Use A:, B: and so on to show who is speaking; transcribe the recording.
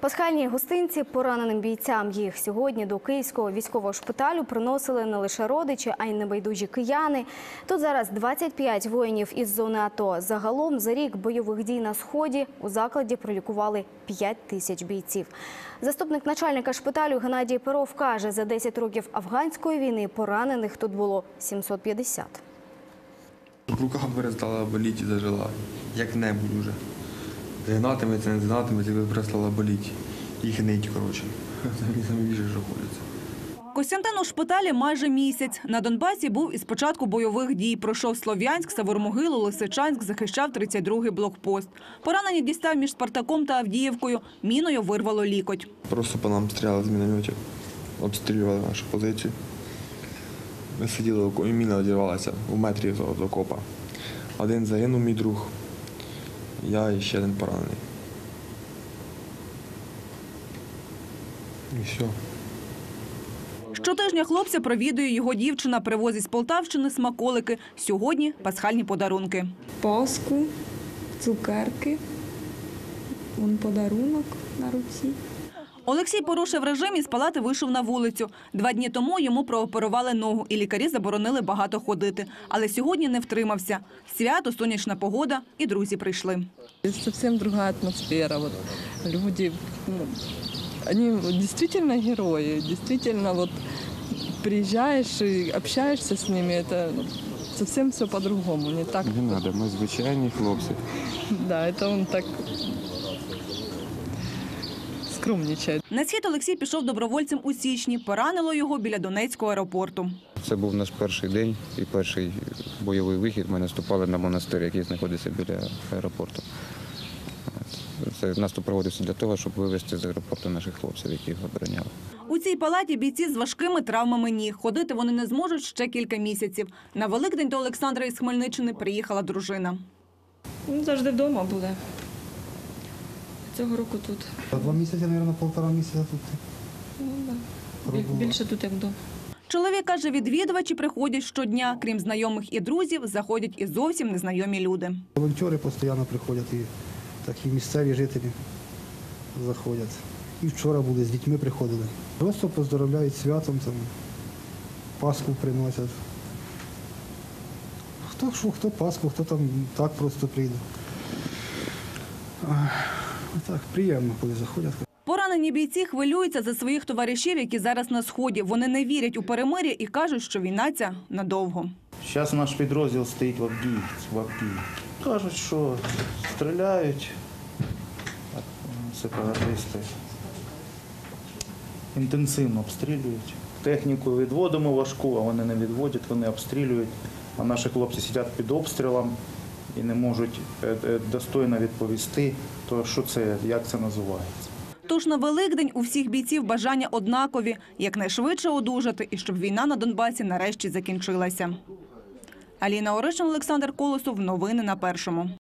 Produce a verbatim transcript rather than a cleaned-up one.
A: Пасхальні гостинці пораненим бійцям. Їх сьогодні до Київського військового шпиталю приносили не лише родичі, а й небайдужі кияни. Тут зараз двадцять п'ять воїнів із зони АТО. Загалом за рік бойових дій на Сході у закладі пролікували п'ять тисяч бійців. Заступник начальника шпиталю Геннадій Перов каже, за десять років афганської війни поранених тут було сімсот п'ятдесят.
B: Рука перестала боліти і зажила, як небудь уже. Згинатиметься, не згинатиметься, і перестала боліти. Їх нить, коротше. Самі більше знаходяться.
C: Костянтин у шпиталі майже місяць. На Донбасі був із початку бойових дій. Пройшов Слов'янськ, Савормогилу, Лисичанськ, захищав тридцять другий блокпост. Поранення дістав між Спартаком та Авдіївкою. Міною вирвало лікоть.
B: Просто по нам стріляли з мінометів, обстрілювали нашу позицію. Ми сиділи, і міна одірвалася у метрі від окопа. Один загинув, мій друг, я і ще один поранений. І все.
C: Щотижня хлопця провідує його дівчина, привозить з Полтавщини смаколики. Сьогодні – пасхальні подарунки.
D: Паску, цукерки, вон подарунок на руці.
C: Олексій порушив режим і з палати вийшов на вулицю. Два дні тому йому прооперували ногу, і лікарі заборонили багато ходити. Але сьогодні не втримався. Свято, сонячна погода і друзі прийшли.
D: Зовсім друга атмосфера. Вот люди, ну, они действительно герои. Действительно, вот приезжаешь и общаешься с ними, это совсем все по-другому. Не так.
E: Не надо, ми звичайні хлопці.
D: Да, это он так скромничає.
C: На схід Олексій пішов добровольцем у січні. Поранило його біля Донецького аеропорту.
E: Це був наш перший день і перший бойовий вихід. Ми наступали на монастир, який знаходиться біля аеропорту. Це наступ проводився для того, щоб вивезти з аеропорту наших хлопців, які його обороняли.
C: У цій палаті бійці з важкими травмами ніг. Ходити вони не зможуть ще кілька місяців. На Великдень до Олександра із Хмельниччини приїхала дружина.
D: Він завжди вдома буде. Цього року тут.
F: Два місяці, мабуть, півтора місяця тут.
D: Ну, да. Більше тут, як вдома.
C: Чоловік каже, відвідувачі приходять щодня. Крім знайомих і друзів, заходять і зовсім незнайомі люди.
F: Волонтери постійно приходять, і такі місцеві жителі заходять. І вчора були, з дітьми приходили. Просто поздоровляють святом, там, Пасху приносять. Хто що, хто Пасху, хто там так просто прийде. Так, приємно, коли заходять.
C: Поранені бійці хвилюються за своїх товаришів, які зараз на Сході. Вони не вірять у перемир'я і кажуть, що війна ця надовго.
G: Зараз наш підрозділ стоїть в Авдіївці, в Авдіївці. Кажуть, що стріляють сепаратисти. Інтенсивно обстрілюють. Техніку відводимо важку, а вони не відводять, вони обстрілюють. А наші хлопці сидять під обстрілом і не можуть достойно відповісти, то що це, як це називається.
C: Тож на Великдень у всіх бійців бажання однакові – якнайшвидше одужати і щоб війна на Донбасі нарешті закінчилася. Аліна Оришин, Олександр Колосов. Новини на Першому.